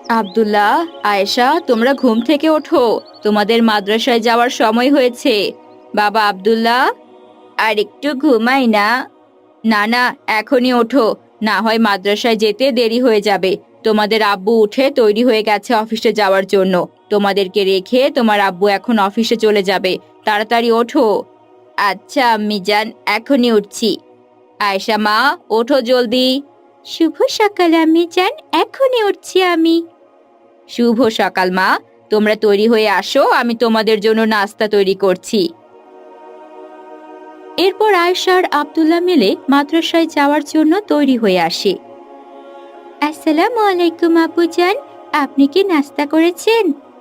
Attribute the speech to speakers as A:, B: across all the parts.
A: আব্দুল্লাহ, আয়েশা, তোমরা ঘুম থেকে ওঠো। তোমাদের মাদ্রাসায় যাওয়ার সময় হয়েছে। বাবা আব্দুল্লাহ, আর একটু ঘুমাই না। না না, এখনই ওঠো, না হয় মাদ্রাসায় যেতে দেরি হয়ে যাবে। তোমাদের আব্বু উঠে তৈরি হয়ে গেছে অফিসে যাওয়ার জন্য। তোমাদেরকে রেখে তোমার আব্বু এখন অফিসে চলে যাবে। তাড়াতাড়ি ওঠো। আচ্ছা আম্মি জান, এখনই উঠছি। আয়েশা মা, ওঠো জলদি। শুভ সকাল আম্মি জান, এখনই উঠছি আমি। শুভ সকাল মা, তোমরা তৈরি হয়ে আসো, আমি তোমাদের জন্য নাস্তা তৈরি করছি। এরপর আয়েশা আর আব্দুল্লাহ মিলে মাদ্রাসায় যাওয়ার জন্য তৈরি হয়ে আসে। আসসালামু আলাইকুম আব্বুজান, আপনি কি নাস্তা করেছেন?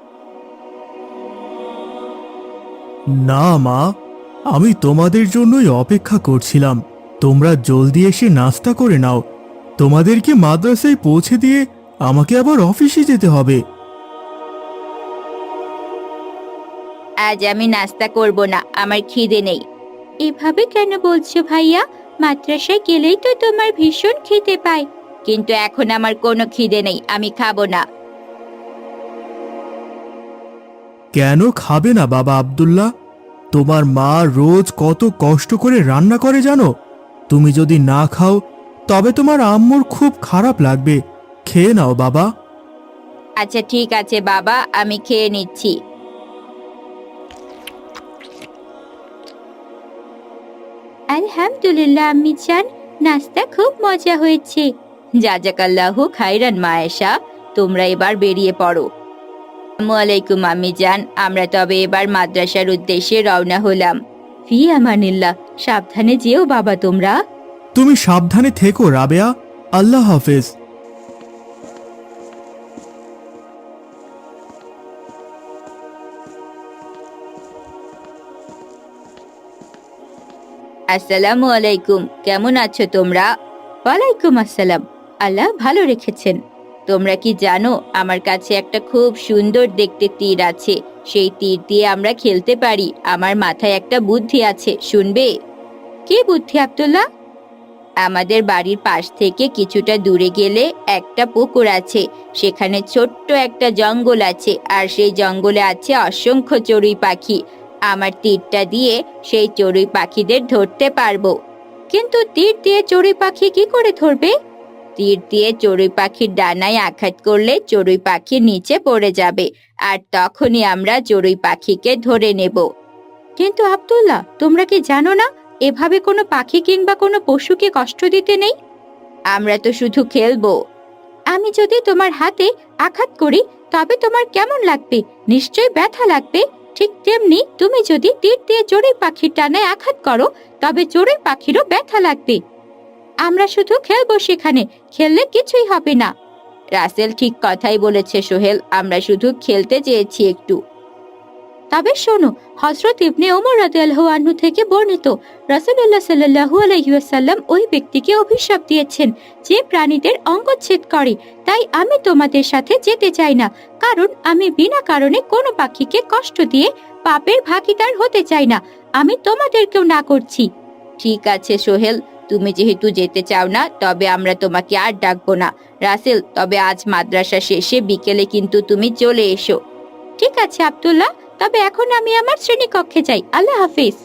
B: না মা, আমি তোমাদের জন্যই অপেক্ষা করছিলাম। তোমরা জলদি এসে নাস্তা করে নাও। তোমাদেরকে মাদ্রাসায় পৌঁছে দিয়ে আমাকে আবার অফিসে যেতে হবে।
A: আজ আমি নাস্তা করব না, আমার খিদে নেই। এভাবে কেন বলছো ভাইয়া? মাদ্রাসায় গেলেই তো তোমার ভীষণ খিদে পায়। কিন্তু এখন আমার কোনো খিদে নেই, আমি খাবো না।
B: কেন খাবে না বাবা আব্দুল্লাহ? তোমার মা রোজ কত কষ্ট করে রান্না করে জানো? তুমি যদি না খাও তবে তোমার আম্মুর খুব খারাপ লাগবে। খেয়ে নাও বাবা।
A: আচ্ছা ঠিক আছে বাবা, আমি খেয়ে নিচ্ছি। আলহামদুলিল্লাহ আম্মি জান, নাস্তা খুব মজা হয়েছে। জাজাকাল্লাহু খাইরান মায়েশা, তোমরা এবার বেরিয়ে পড়ো। আসসালামু আলাইকুম আম্মি জান, আমরা তবে এবার মাদ্রাসার উদ্দেশ্যে রওনা হলাম। ফি আমানিল্লাহ, সাবধানে যেও বাবা তোমরা।
B: তুমি সাবধানে থেকো রাবেয়া। আল্লাহ হাফেজ।
A: আসসালামু আলাইকুম, কেমন আছো তোমরা? ওয়ালাইকুম আসসালাম, আল্লাহ ভালো রেখেছেন। তোমরা কি জানো, আমার কাছে একটা খুব সুন্দর দেখতে তীর আছে। সেই তীর দিয়ে আমরা খেলতে পারি। আমার মাথায় একটা বুদ্ধি আছে, শুনবে? কি বুদ্ধি আব্দুল্লাহ? আমাদের বাড়ির পাশ থেকে কিছুটা দূরে গেলে একটা পুকুর আছে। সেখানে ছোট্ট একটা জঙ্গল আছে, আর সেই জঙ্গলে আছে অসংখ্য চড়ুই পাখি। আমার তীরটা দিয়ে সেই চড়ুই পাখিদের ধরতে পারবো। কিন্তু তীর দিয়ে চড়ুই পাখি কি করে ধরবে? তীর দিয়ে চড়ুই পাখির ডানায় আঘাত করলে চড়ুই পাখি নিচে পড়ে যাবে, আর তখনই আমরা চড়ুই পাখিকে ধরে নেব। কিন্তু আব্দুল্লাহ, তোমরা কি জানো না, এভাবে কোনো পাখি কিংবা কোনো পশুকে কষ্ট দিতে নেই? আমরা তো শুধু খেলবো। আমি যদি তোমার হাতে আঘাত করি তবে তোমার কেমন লাগবে? নিশ্চয়ই ব্যথা লাগবে। ঠিক তেমনি তুমি যদি তীর দিয়ে চড়ুই পাখির ডানায় আঘাত করো তবে চড়ুই পাখিরও ব্যথা লাগবে। আমরা শুধু খেলবো সেখানে, খেললে কিছুই হবে না। রাসেল ঠিক কথাই বলেছে সোহেল, আমরা শুধু খেলতে চেয়েছি একটু। তবে শোনো, হযরত ইবনে ওমর রাদিয়াল্লাহু আনহু থেকে বর্ণিত, রাসূলুল্লাহ সাল্লাল্লাহু আলাইহি ওয়াসাল্লাম ওই ব্যক্তিকে অভিশাপ দিয়েছেন যে প্রাণীদের অঙ্গচ্ছেদ করে। তাই আমি তোমাদের সাথে যেতে চাই না, কারণ আমি বিনা কারণে কোনো পাখিকে কষ্ট দিয়ে পাপের ভাগীদার হতে চাই না। আমি তোমাদেরকেও না করছি। ঠিক আছে সোহেল, তুমি যেহেতু যেতে চাও না, তবে আমরা তোমাকে আর ডাকবো না। রাসেল, তবে আজ মাদ্রাসা শেষে বিকেলে কিন্তু তুমি চলে এসো। ঠিক আছে আব্দুল্লাহ, তবে এখন আমি আমার শ্রেণীকক্ষে যাই। আল্লাহ হাফিজ।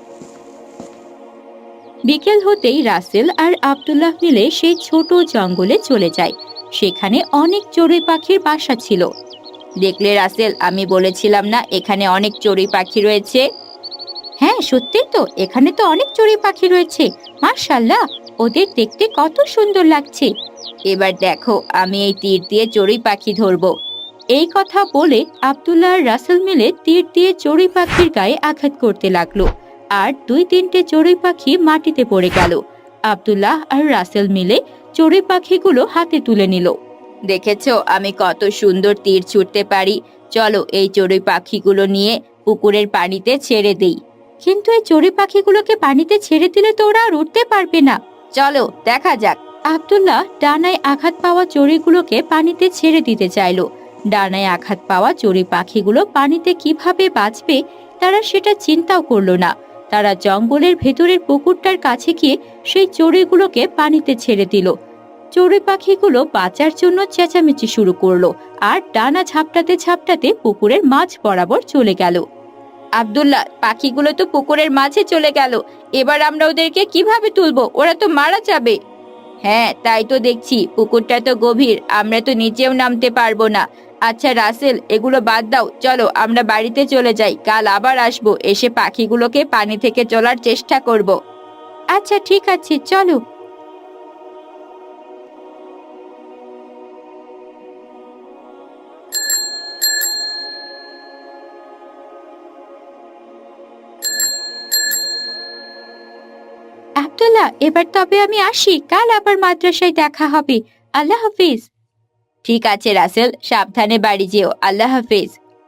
A: বিকেল হতেই রাসেল আর আব্দুল্লাহ মিলে সেই ছোট জঙ্গলে চলে যায়। সেখানে অনেক চড়ুই পাখির বাসা ছিল। দেখলে রাসেল, আমি বলেছিলাম না এখানে অনেক চড়ুই পাখি রয়েছে? হ্যাঁ সত্যি তো, এখানে তো অনেক চড়ুই পাখি রয়েছে। মাশাআল্লাহ, ওদের দেখতে কত সুন্দর লাগছে। এবার দেখো, আমি এই তীর দিয়ে চড়ুই পাখি ধরবো। এই কথা বলে আব্দুল্লাহ আর রাসেল মিলে তীর দিয়ে চড়ুই পাখির গায়ে আঘাত করতে লাগলো, আর 2-3টে চড়ুই পাখি মাটিতে পড়ে গেল। আব্দুল্লাহ আর রাসেল মিলে চড়ুই পাখিগুলো হাতে তুলে নিল। দেখেছো আমি কত সুন্দর তীর ছুটতে পারি। চলো এই চড়ুই পাখিগুলো নিয়ে পুকুরের পানিতে ছেড়ে দেই। কিন্তু এই চড়ুই পাখিগুলোকে পানিতে ছেড়ে দিলে তো ওরা আর উঠতে পারবে না। চলো দেখা যাক। আব্দুল্লাহ ডানায় আঘাত পাওয়া চড়ুইগুলোকে পানিতে ছেড়ে দিতে চাইলো। ডানায় আঘাত পাওয়া চড়ুই পাখিগুলো পানিতে কিভাবে বাঁচবে তারা সেটা চিন্তাও করলো না। তারা জঙ্গলের ভেতরের পুকুরটার কাছে গিয়ে সেই চড়ুইগুলোকে পানিতে ছেড়ে দিল। চড়ুই পাখিগুলো বাঁচার জন্য চেঁচামেচি শুরু করলো আর ডানা ঝাপটাতে ঝাপটাতে পুকুরের মাঝ বরাবর চলে গেল। আব্দুল্লাহ, পাখিগুলো তো পুকুরের মাঝে চলে গেল, এবার আমরা ওদেরকে কিভাবে তুলবো? ওরা তো মারা যাবে। হ্যাঁ, তাই তো দেখছি, পুকুরটা তো গভীর, আমরা তো নিচেও নামতে পারবো না। আচ্ছা রাসেল, এগুলো বাদ দাও, চলো আমরা বাড়িতে চলে যাই, কাল আবার আসবো, এসে পাখিগুলোকে পানি থেকে তোলার চেষ্টা করব। আচ্ছা ঠিক আছে, চলো। আব্দুল্লাহ, এবার তবে আমি আসি, কাল আবার মাদ্রাসায় দেখা হবে। আল্লাহ হাফিজ। ঠিক আছে রাসেল, সাবধানে বাড়ি যেও। আল্লাহ হাফিজ।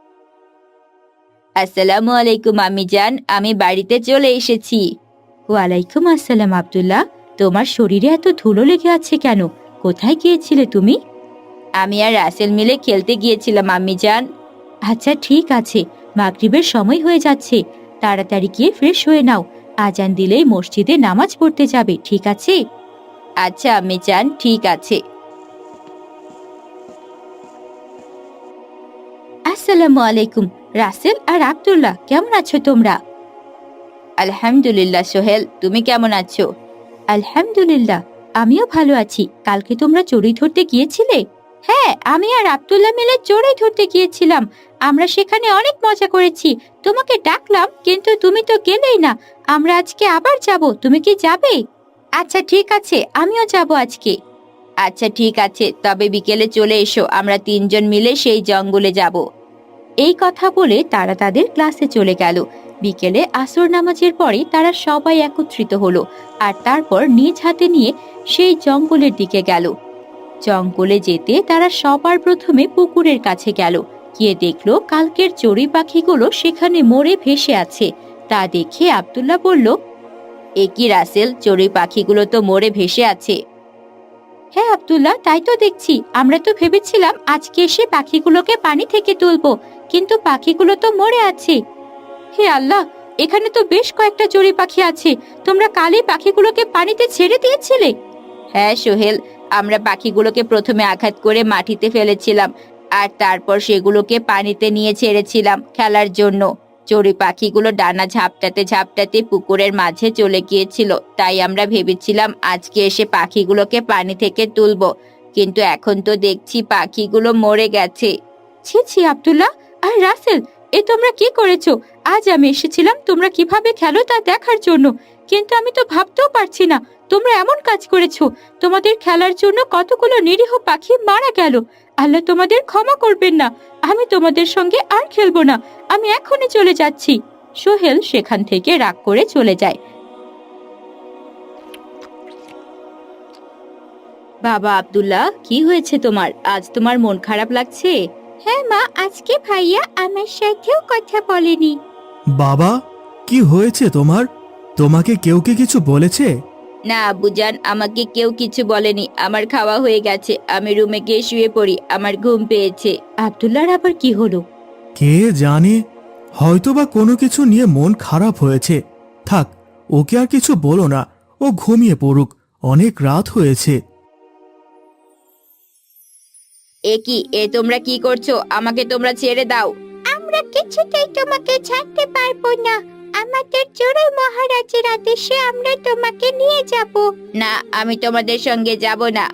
A: আসসালামু আলাইকুম আম্মি জান, আমি বাড়িতে চলে এসেছি। ওয়ালাইকুম আসসালাম আব্দুল্লাহ, তোমার শরীরে এত ধুলো লেগে আছে কেন? কোথায় গিয়েছিলে তুমি? আমি আর রাসেল মিলে খেলতে গিয়েছিলাম আম্মি জান। আচ্ছা ঠিক আছে, মাগরিবের সময় হয়ে যাচ্ছে, তাড়াতাড়ি গিয়ে ফ্রেশ হয়ে নাও, আজান দিলেই মসজিদে নামাজ পড়তে যাবে, ঠিক আছে? আচ্ছা আম্মি জান, ঠিক আছে। আসসালামু আলাইকুম রাসেল আর আব্দুল্লাহ, কেমন আছো তোমরা? আলহামদুলিল্লাহ সোহেল, তুমি কেমন আছো? আলহামদুলিল্লাহ, আমিও ভালো আছি। কালকে তোমরা চড়ুই ধরতে গিয়েছিলে? হ্যাঁ, আমি আর আব্দুল্লাহ মিলে চড়ুই ধরতে গিয়েছিলাম, আমরা সেখানে অনেক মজা করেছি। তোমাকে ডাকলাম কিন্তু তুমি তো গেলেই না। আমরা আজকে আবার যাব, তুমি কি যাবে? আচ্ছা ঠিক আছে, আমিও যাব আজকে। আচ্ছা ঠিক আছে, তবে বিকেলে চলে এসো, আমরা তিনজন মিলে সেই জঙ্গলে যাব। এই কথা বলে তারা তাদের ক্লাসে চলে গেল। বিকেলে আসর নামাজের পরে তারা সবাই একত্রিত হলো আর তারপর নিজ হাতে নিয়ে সেই জঙ্গলের দিকে গেল। জঙ্গলে যেতে তারা সবার প্রথমে পুকুরের কাছে গেল, গিয়ে দেখলো কালকের চড়ুই পাখিগুলো সেখানে মরে ভেসে আছে। তা দেখে আব্দুল্লাহ বলল, এ কি রাসেল, চড়ুই পাখিগুলো তো মরে ভেসে আছে। হ্যাঁ আব্দুল্লাহ, তাই তো দেখছি, আমরা তো ভেবেছিলাম আজকে এসে পাখিগুলোকে পানি থেকে তুলবো, কিন্তু পাখিগুলো তো মরে আছে। হে আল্লাহ, এখানে তো বেশ কয়েকটা চড়ুই পাখি আছে, তোমরা কালই পাখিগুলোকে পানিতে ছেড়ে দিয়েছিলে? হ্যাঁ সোহেল, আমরা পাখিগুলোকে প্রথমে আঘাত করে মাটিতে ফেলেছিলাম আর তারপর সেগুলোকে পানিতে নিয়ে ছেড়েছিলাম খেলার জন্য। চড়ুই পাখিগুলো ডানা ঝাপটাতে ঝাপটাতে পুকুরের মাঝে চলে গিয়েছিল, তাই আমরা ভেবেছিলাম আজকে এসে পাখিগুলোকে পানি থেকে তুলবো, কিন্তু এখন তো দেখছি পাখিগুলো মরে গেছে। ছি ছি আব্দুল্লাহ আর রাসেল, এ তোমরা কি করেছো? আজ আমি এসেছিলাম তোমরা কিভাবে খেলো তা দেখার জন্য, কিন্তু আমি তো ভাবতেও পারছি না তোমরা এমন কাজ করেছো। তোমাদের খেলার জন্য কতগুলো নিরীহ পাখি মারা গেল। আল্লাহ তোমাদের ক্ষমা করবেন না। আমি তোমাদের সঙ্গে আর খেলবো না, আমি এখনই চলে যাচ্ছি। সোহেল সেখান থেকে রাগ করে চলে যায়। বাবা আব্দুল্লাহ, কি হয়েছে তোমার? আজ তোমার মন খারাপ লাগছে? হ্যাঁ মা, আজকে ভাইয়া আমার সাথেও কথা বলেনি।
B: বাবা, কি হয়েছে তোমার? তোমাকে কেউ কি কিছু বলেছে?
A: না আব্বুজান, আমাকে কেউ কিছু বলেনি, আমার খাওয়া হয়ে গেছে, আমি রুমে গিয়ে শুয়ে পড়ি, আমার ঘুম পেয়েছে। আব্দুল্লাহর আবার কি হলো?
B: কে জানে, হয়তোবা কোনো কিছু নিয়ে মন খারাপ হয়েছে। থাক, ওকে আর কিছু বলো না, ও ঘুমিয়ে পড়ুক, অনেক রাত হয়েছে।
A: এ কি, তোমরা কি করছো? আমাকে তোমরা ছেড়ে দাও। আমরা কিছুতেই তোমাকে ছাড়তে পারবো না, আমাদের চড়ুই মহারাজের আদেশে আমরা তোমাকে নিয়ে যাব। না, আমি তোমাদের সঙ্গে যাব না।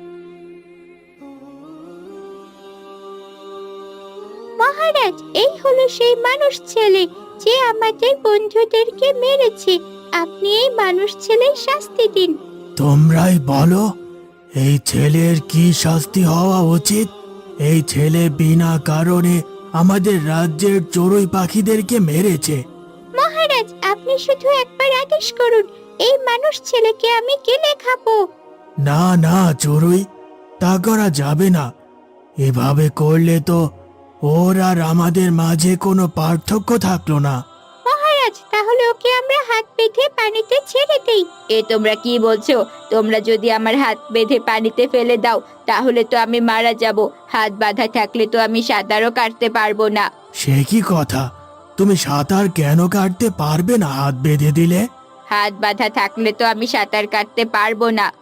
A: মহারাজ, এই হলো সেই মানুষ ছেলে যে আমাদের বন্ধুদেরকে মেরেছে, আপনি এই মানুষ ছেলের শাস্তি দিন।
B: তোমরাই বলো, এই ছেলের কি শাস্তি হওয়া উচিত? এই ছেলে বিনা কারণে আমাদের রাজ্যের চড়ুই পাখিদেরকে মেরেছে।
A: মহারাজ, আপনি শুধু একবার আদেশ করুন, এই মানুষ ছেলেকে আমি গিলে খাবো।
B: না না চড়ুই, তা করা যাবে না। এভাবে করলে তো ওর আর আমাদের মাঝে কোনো পার্থক্য থাকলো না।
A: মহারাজ, তাহলে ওকে আমরা হাত বেঁধে পানিতে ছেড়ে দেই। তোমরা কি বলছো? তোমরা যদি আমার হাত বেঁধে পানিতে ফেলে দাও তাহলে তো আমি মারা যাব। হাত বাঁধা থাকলে তো আমি সাঁতারও কাটতে পারবো না।
B: সে কি কথা, তুমি সাঁতার কেন কাটতে পারবে না হাত বেঁধে দিলে?
A: হাত বাঁধা থাকলে তো আমি সাঁতার কাটতে পারবো না।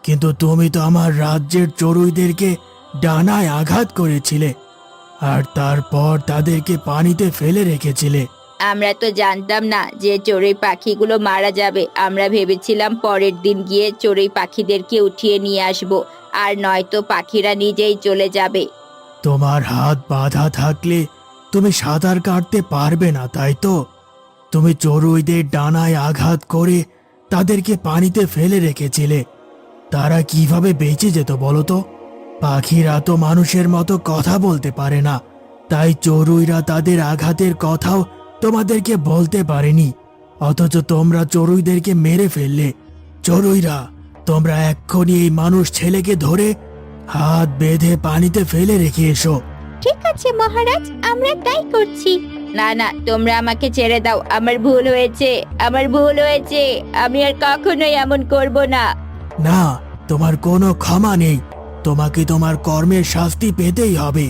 B: কিন্তু তুমি তো আমার রাজ্যের চড়ুইদেরকে ডানায় আঘাত করেছিলে আর তারপর তাদেরকে পানিতে ফেলে রেখেছিলে।
A: আমরা তো জানতাম না যে চড়ুই পাখিগুলো মারা যাবে। আমরা ভেবেছিলাম পরের দিন গিয়ে চড়ুই পাখিদেরকে উঠিয়ে নিয়ে আসব, আর নয়তো পাখিরা নিজেই চলে যাবে।
B: তোমার হাত বাঁধা থাকলে তুমি সাঁতার কাটতে পারবে না, তাই তো? তুমি চড়ুইদের ডানায় আঘাত করে তাদেরকে পানিতে ফেলে রেখেছিলে। তারা কিভাবে বেঁচে যেত বলো তো? পাখিরা তো মানুষের মতো কথা বলতে পারে না, তাই চড়ুইরা তাদের আঘাতের কথাও তোমাদেরকে বলতে পারেনি। অথচ তোমরা চড়ুইদেরকে মেরে ফেললে। চড়ুইরা, তোমরা এক্ষুনি এই মানুষ ছেলেকে ধরে হাত বেঁধে পানিতে ফেলে রেখে এসো।
A: ঠিক আছে মহারাজ, আমরা তাই করছি। না না, তোমরা আমাকে ছেড়ে দাও। আমার ভুল হয়েছে, আমার ভুল হয়েছে। আমি আর কখনোই এমন করব না।
B: না, তোমার কোনো ক্ষমা নেই। তোমাকে তোমার কর্মের শাস্তি পেতেই হবে।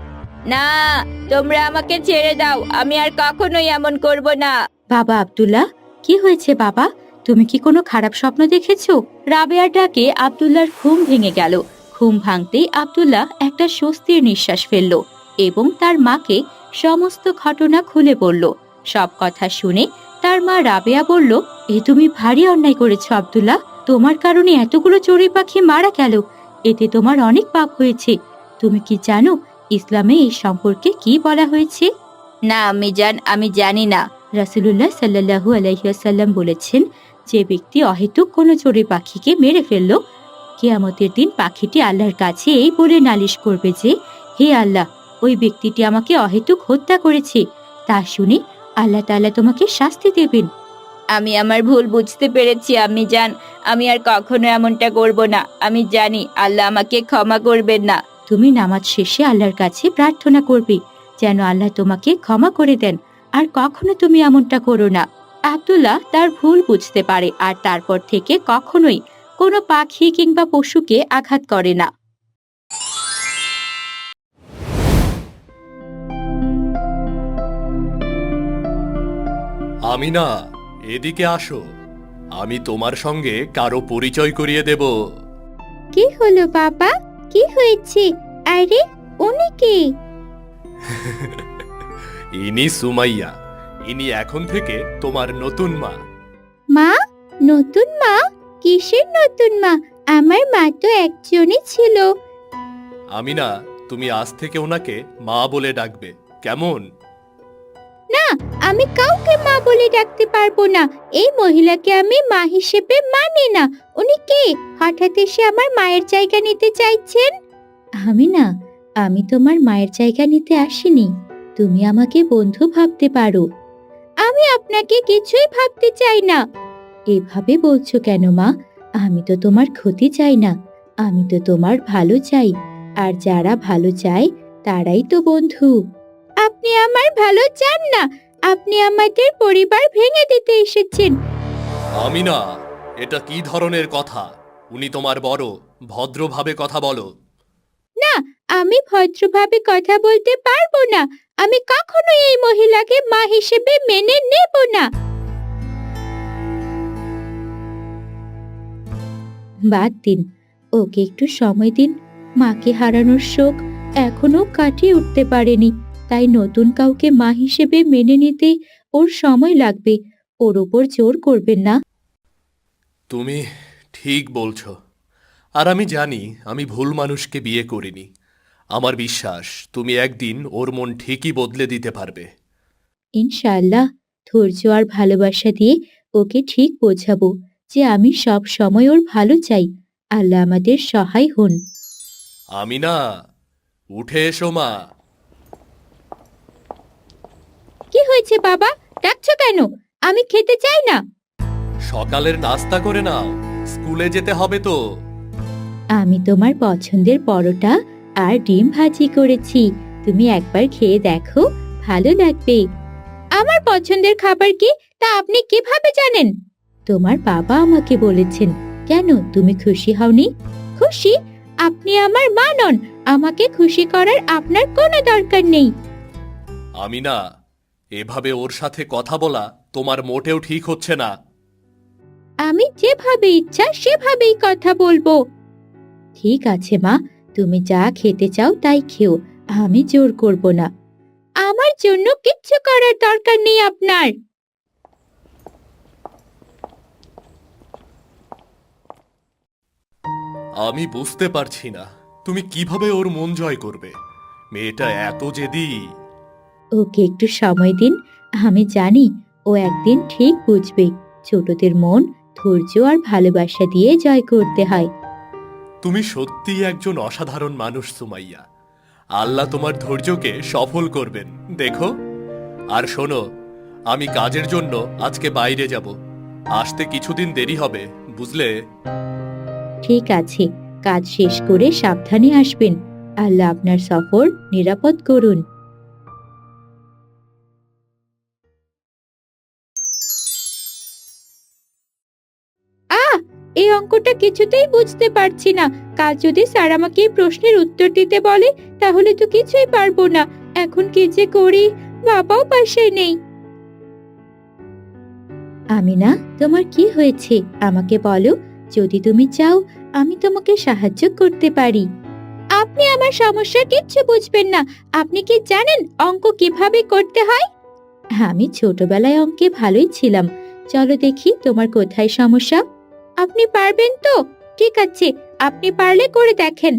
A: না, তোমরা আমাকে ছেড়ে দাও। আমি আর কখনোই এমন করব না। বাবা আব্দুল্লাহ, কি হয়েছে বাবা? তুমি কি কোনো খারাপ স্বপ্ন দেখেছো? রাবেয়ার ডাকে আব্দুল্লাহর ঘুম ভেঙে গেল। ঘুম ভাঙতেই আব্দুল্লাহ একটা স্বস্তির নিঃশ্বাস ফেলল এবং তার মাকে সমস্ত ঘটনা খুলে বলল। সব কথা শুনে তার মা রাবেয়া বলল, এ তুমি ভারী অন্যায় করেছো আব্দুল্লাহ। তোমার কারণে এতগুলো চড়ুই পাখি মারা গেল। এতে তোমার অনেক পাপ হয়েছে। তুমি কি জানো ইসলামে এই সম্পর্কে কি বলা হয়েছে? না আম্মিজান, আমি জানি না। রাসূলুল্লাহ সাল্লাল্লাহু আলাইহি ওয়াসাল্লাম বলেছেন, যে ব্যক্তি অহেতুক কোনো চড়ুই পাখিকে মেরে ফেলল, কিয়ামতের দিন পাখিটি আল্লাহর কাছে এই বলে নালিশ করবে যে, হে আল্লাহ, ওই ব্যক্তিটি আমাকে অহেতুক হত্যা করেছে। তা শুনে আল্লাহ তাআলা তোমাকে শাস্তি দেবেন। আমি আমার ভুল বুঝতে পেরেছি আম্মিজান। আমি আর কখনো এমনটা করব না। আমি জানি আল্লাহ আমাকে ক্ষমা করবেন না। তুমি নামাজ শেষে আল্লাহর কাছে প্রার্থনা করবে যেন আল্লাহ তোমাকে ক্ষমা করে দেন, আর কখনো তুমি এমনটা করো না। আব্দুল্লাহ তার ভুল বুঝতে পারে আর তারপর থেকে কখনোই কোনো পাখি কিংবা পশুকে আঘাত করে না।
C: আমিনা, এদিকে আসো। আমি তোমার সঙ্গে কারো পরিচয় করিয়ে দেব।
A: কি হলো বাবা? কি হয়েছে? আরে উনি কে?
C: ইনি সুমাইয়া। ইনি এখন থেকে তোমার নতুন মা।
A: মা? নতুন মা? কিসের নতুন মা? আমার মা তো একজনই ছিল।
C: আমিনা, তুমি আজ থেকে ওনাকে মা বলে ডাকবে, কেমন?
A: না, আমি কাউকে মা বলে ডাকতে পারবো না। এই মহিলাকে আমি মা হিসেবে মানি না। উনি কে? হঠাৎ এসে আমার মায়ের জায়গা নিতে চাইছেন? আমি তোমার মায়ের জায়গা নিতে আসিনি। তুমি আমাকে বন্ধু ভাবতে পারো। আমি আপনাকে কিছুই ভাবতে চাই না। এভাবে বলছো কেন মা? আমি তো তোমার ক্ষতি চাই না। আমি তো তোমার ভালো চাই। আর যারা ভালো চায় তারাই তো বন্ধু। আপনি আমার ভালো চান না। আপনি আমাদের পরিবার ভেঙে দিতে এসেছেন।
C: আমিনা, এটা কি ধরনের কথা? উনি তোমার বড়, ভদ্রভাবে কথা বলো।
A: না, আমি ভদ্রভাবে কথা বলতে পারবো না। আমি কখনো এই মহিলাকে মা হিসেবে মেনে নেব না। বাদ দিন, ওকে একটু সময় দিন। মাকে হারানোর শোক এখনো কাটিয়ে উঠতে পারেনি, তাই নতুন কাউকে মা হিসেবে মেনে নিতে ওর সময় লাগবে। ওর ওপর জোর করবেন না।
C: তুমি ঠিক বলছো। আর আমি জানি আমি ভুল মানুষকে বিয়ে করিনি। আমার বিশ্বাস তুমি একদিন ওর মন ঠিকই বদলে দিতে পারবে।
A: ইনশাআল্লাহ, ধৈর্য আর ভালোবাসা দিয়ে ওকে ঠিক বোঝাবো যে আমি সব সময় ওর ভালো চাই। আল্লাহ আমাদের সহায় হন।
C: আমিনা, উঠে এসো মা।
A: কি হয়েছে বাবা? ডাকছো কেন? আমি খেতে চাই না।
C: সকালের নাস্তা করে নাও, স্কুলে যেতে হবে তো।
A: আমি তোমার পছন্দের পরোটা আর ডিম ভাজি করেছি। তুমি একবার খেয়ে দেখো, ভালো লাগবে। আমার পছন্দের খাবার কি তা আপনি কিভাবে জানেন? তোমার বাবা আমাকে বলেছেন। কেন, তুমি খুশি হওনি? খুশি? আপনি আমার মা নন। আমাকে খুশি করার আপনার কোনো দরকার নেই।
C: আমিনা, এভাবে ওর সাথে কথা বলা তোমার মোটেও ঠিক হচ্ছে না।
A: আমি যেভাবে ইচ্ছা সেভাবেই কথা বলবো। ঠিক আছে মা, তুমি যা খেতে চাও তাই খেও, আমি জোর করব না। আমার জন্য কিচ্ছু করার দরকার নেই আপনার।
C: আমি বুঝতে পারছি না তুমি কিভাবে ওর মন জয় করবে। মেয়েটা এত জেদি।
A: ওকে একটু সময় দিন, আমি জানি ও একদিন ঠিক বুঝবে ছোটদের মন ধৈর্য আর ভালোবাসা দিয়ে জয় করতে হয়।
C: তুমি সত্যিই একজন অসাধারণ মানুষ সুমাইয়া। আল্লাহ তোমার ধৈর্যকে সফল করবেন, দেখো। আর শোনো, আমি কাজের জন্য আজকে বাইরে যাব। আসতে কিছুদিন দেরি হবে, বুঝলে?
A: ঠিক আছে, কাজ শেষ করে সাবধানে আসবেন। আল্লাহ আপনার সফর নিরাপদ করুন। আহ, এই অঙ্কটা কিছুতেই বুঝতে পারছি না। কাল যদি স্যার আমাকে এই প্রশ্নের উত্তর দিতে বলে তাহলে তো কিছুই পারবো না। এখন কি যে করি, বাবাও পাশে নেই। আমিনা, তোমার কি হয়েছে আমাকে বলো। যদি তুমি চাও আমি তোমাকে সাহায্য করতে পারি। আপনি আমার সমস্যার কিচ্ছু বুঝবেন না। আপনি কি জানেন অঙ্ক কিভাবে করতে হয়? আমি ছোটবেলায় অঙ্কে ভালোই ছিলাম। চলো দেখি তোমার কোথায় সমস্যা। আপনি পারবেন তো? ঠিক আছে, আপনি পারলে করে দেখেন।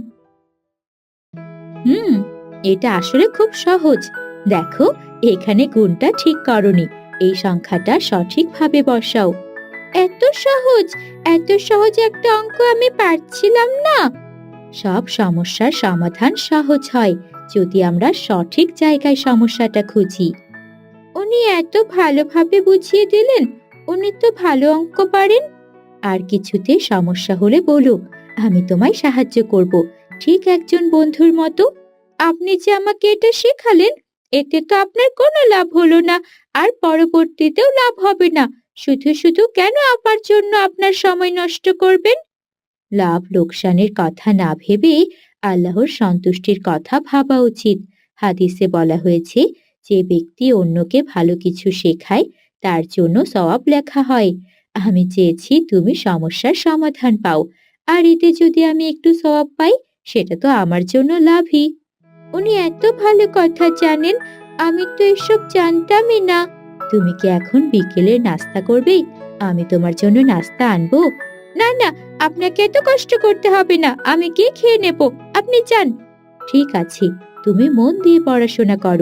A: হুম, এটা আসলে খুব সহজ। দেখো, এখানে গুণটা ঠিক করনি, এই সংখ্যাটা সঠিকভাবে বসাও। এত সহজ, এত সহজ একটা অঙ্ক আমি পারছিলাম না। সব সমস্যার সমাধান সহজ হয় যদি আমরা সঠিক জায়গায় সমস্যাটা খুঁজি। উনি এত ভালোভাবে বুঝিয়ে দিলেন। উনি তো ভালো অঙ্ক পারেন। আর কিছুতে সমস্যা হলে বলো, আমি তোমায় সাহায্য করব, ঠিক একজন বন্ধুর মতো। আপনি যে আমাকে এটা শেখালেন, এতে তো আপনার কোনো লাভ হলো না, আর পরবর্তীতেও লাভ হবে না। শুধু শুধু কেন আমার জন্য আপনার সময় নষ্ট করবেন? লাভ লোকসানের কথা না ভেবে আল্লাহর সন্তুষ্টির কথা ভাবা উচিত। হাদিসে বলা হয়েছে, যে ব্যক্তি অন্যকে ভালো কিছু শেখায় তার জন্য সওয়াব লেখা হয়। আমি চেয়েছি তুমি সমস্যার সমাধান পাও, আর এতে যদি আমি একটু সওয়াব পাই সেটা তো আমার জন্য লাভই। উনি এত ভালো কথা জানেন, আমি তো এসব জানতামই না। তুমি কি এখন বিকেলের নাস্তা করবে? আমি তোমার জন্য নাস্তা আনবো। না না, আপনাকে এত কষ্ট করতে হবে না, আমি গিয়ে খেয়ে নেব। আপনি যান। ঠিক আছে, তুমি মন দিয়ে পড়াশোনা করো।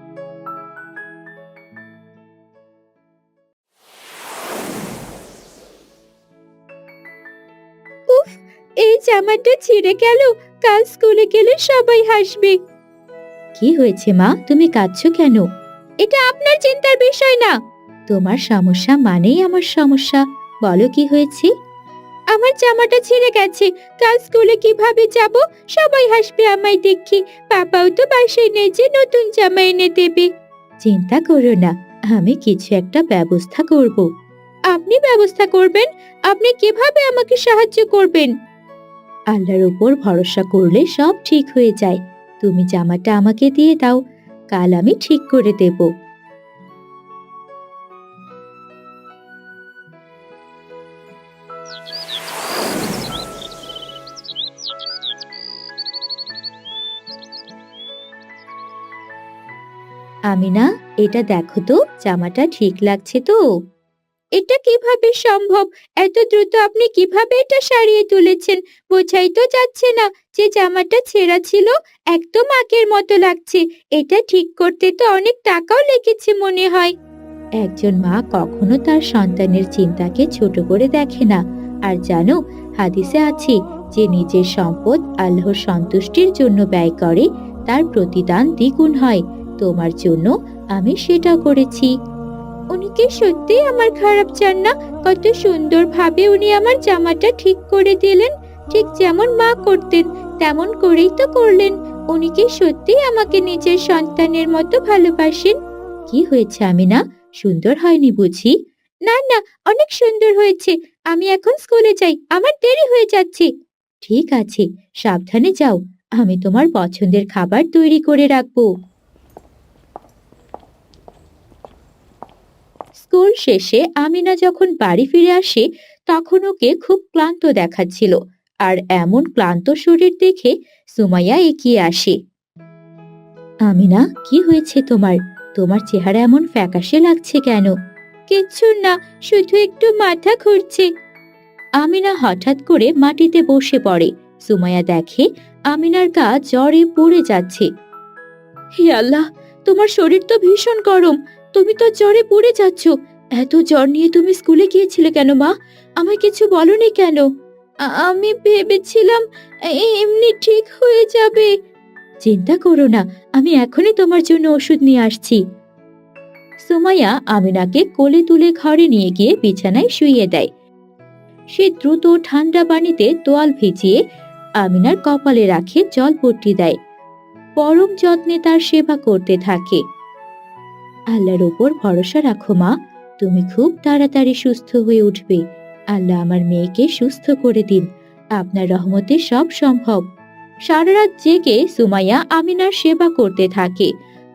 A: উফ, এই জামাটা ছিঁড়ে গেল। কাল স্কুলে গেলে সবাই হাসবে। কি হয়েছে মা, তুমি কাঁদছো কেন? এটা আপনার চিন্তার বিষয় না। তোমার সমস্যা মানেই আমার সমস্যা। বলো কি হয়েছে? আমার জামাটা ছিঁড়ে গেছে। কাল স্কুলে কিভাবে যাব? সবাই হাসবে আমায় দেখি। পাপাও তো বাসায় নেই যে নতুন জামা এনে দেবে। চিন্তা করো না, আমি কিছু একটা ব্যবস্থা করব। আপনি ব্যবস্থা করবেন? আপনি কিভাবে আমাকে সাহায্য করবেন? আল্লাহর উপর ভরসা করলে সব ঠিক হয়ে যায়। তুমি জামাটা আমাকে দিয়ে দাও, কাল আমি ঠিক করে দেব। আমিনা, এটা দেখো তো, জামাটা ঠিক লাগছে তো? এটা কিভাবে সম্ভব? এত দ্রুত আপনি কিভাবে এটা সারিয়ে তুলেছেন? বোঝাই তো যাচ্ছে না যে জামাটা ছেঁড়া ছিল। একদম আগের মতো লাগছে। এটা ঠিক করতে তো অনেক টাকাও লেগেছে মনে হয়। একজন মা কখনো তার সন্তানের চিন্তাকে ছোট করে দেখে না। আর জানো, হাদিসে আছে, যে নিজের সম্পদ আল্লাহর সন্তুষ্টির জন্য ব্যয় করে তার প্রতিদান দ্বিগুণ হয়। তোমার জন্য আমি সেটা করেছি। উনি কি সত্যি আমার খারাপ চান না? কত সুন্দরভাবে উনি আমার জামাটা ঠিক করে দিলেন। ঠিক যেমন মা করতেন তেমন করেই তো করলেন। উনি কি সত্যি আমাকে নিজের সন্তানের মতো ভালোবাসেন? কি হয়েছে আমিনা, সুন্দর হয়নি বুঝি? না না, অনেক সুন্দর হয়েছে। আমি এখন স্কুলে যাই, আমার দেরি হয়ে যাচ্ছে। ঠিক আছে, সাবধানে যাও। আমি তোমার পছন্দের খাবার তৈরি করে রাখবো। স্কুল শেষে আমিনা যখন বাড়ি ফিরে আসে তখন ওকে খুব ক্লান্ত দেখাচ্ছিল। আর এমন ক্লান্ত শরীর দেখে সুমাইয়া এগিয়ে আসে। আমিনা, কি হয়েছে তোমার? তোমার চেহারা এমন ফ্যাকাশে লাগছে কেন? কিচ্ছু না, শুধু একটু মাথা ঘুরছে। আমিনা হঠাৎ করে মাটিতে বসে পড়ে। সুমাইয়া দেখে আমিনার গা জ্বরে পুড়ে যাচ্ছে। হে আল্লাহ, তোমার শরীর তো ভীষণ গরম, তুমি তো জ্বরে পুড়ে যাচ্ছ। এত জ্বর নিয়ে তুমি স্কুলে গিয়েছিলে কেন মা? আমায় কিছু বলনি কেন? আমি ভেবেছিলাম এমনি ঠিক হয়ে যাবে। চিন্তা করো না, আমি এখনই তোমার জন্য ওষুধ নিয়ে আসছি। সুমাইয়া আমিনাকে কোলে তুলে ঘরে নিয়ে গিয়ে বিছানায় শুইয়ে দেয়। সে দ্রুত ঠান্ডা পানিতে তোয়াল ভিজিয়ে আমিনার কপালে রাখে জলপট্টি দেয়। পরম যত্নে তার সেবা করতে থাকে। আল্লাহর ওপর ভরসা রাখো মা, তুমি খুব তাড়াতাড়ি সুস্থ হয়ে উঠবে। আল্লাহ আমার মেয়েকে সুস্থ করে দিন, আপনার রহমতে সব সম্ভব। সারা রাত জেগে সুমাইয়া আমিনার সেবা করতে থাকে।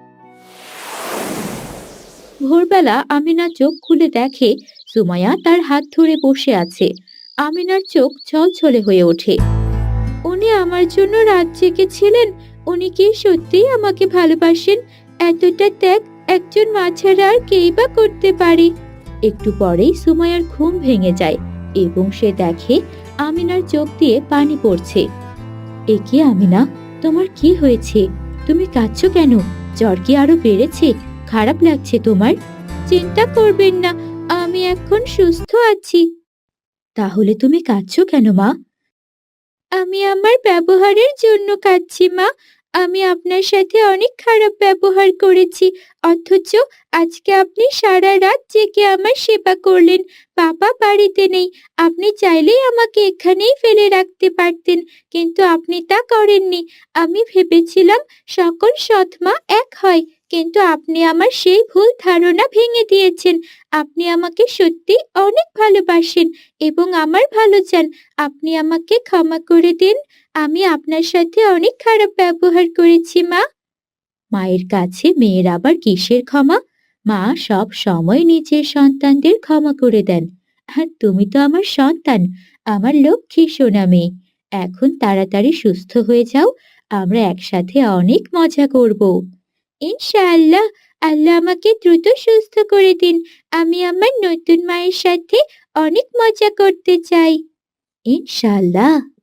A: ভোরবেলা আমিনা চোখ খুলে দেখে সুমাইয়া তার হাত ধরে বসে আছে। আমিনার চোখ ছলছলে হয়ে ওঠে। উনি আমার জন্য রাত জেগেছিলেন? উনি কি সত্যিই আমাকে ভালোবাসেন? এতটা ত্যাগ একজন মা ছাড়া আর কেই বা করতে পারে? একটু পরেই সুমাইয়ার ঘুম ভেঙে যায় এবং সে দেখে আমিনার চোখ দিয়ে পানি পড়ছে। এ কি আমিনা, তোমার কি হয়েছে? তুমি কাঁদছো কেন? জ্বর কি আরো বেড়েছে? খারাপ লাগছে তোমার? চিন্তা করবেন না, আমি এখন সুস্থ আছি। তাহলে তুমি কাঁদছো কেন মা? আমি আমার ব্যবহারের জন্য কাঁদছি মা। আমি আপনার সাথে অনেক খারাপ ব্যবহার করেছি, অথচ আজকে আপনি সারা রাত জেগে আমার সেবা করলেন। বাবা বাড়িতে নেই, আপনি চাইলেই আমাকে এখানেই ফেলে রাখতে পারতেন, কিন্তু আপনি তা করেননি। আমি ভেবেছিলাম সকল সৎ মা এক হয়, কিন্তু আপনি আমার সেই ভুল ধারণা ভেঙে দিয়েছেন। আপনি আমাকে সত্যি অনেক ভালোবাসেন এবং আমার ভালো চান। আপনি আমাকে ক্ষমা করে দিন, আমি আপনার সাথে অনেক খারাপ ব্যবহার করেছি মা। মায়ের কাছে মেয়ের আবার কিসের ক্ষমা? মা সব সময় নিজের সন্তানদের ক্ষমা করে দেন। আর তুমি তো আমার সন্তান, আমার লক্ষ্মী সোনা মেয়ে। এখন তাড়াতাড়ি সুস্থ হয়ে যাও, আমরা একসাথে অনেক মজা করব। ইনশাআল্লাহ, আল্লাহ আমাকে দ্রুত সুস্থ করে দিন। আমি আমার নতুন মায়ের সাথে অনেক মজা করতে চাই। ইনশাআল্লাহ।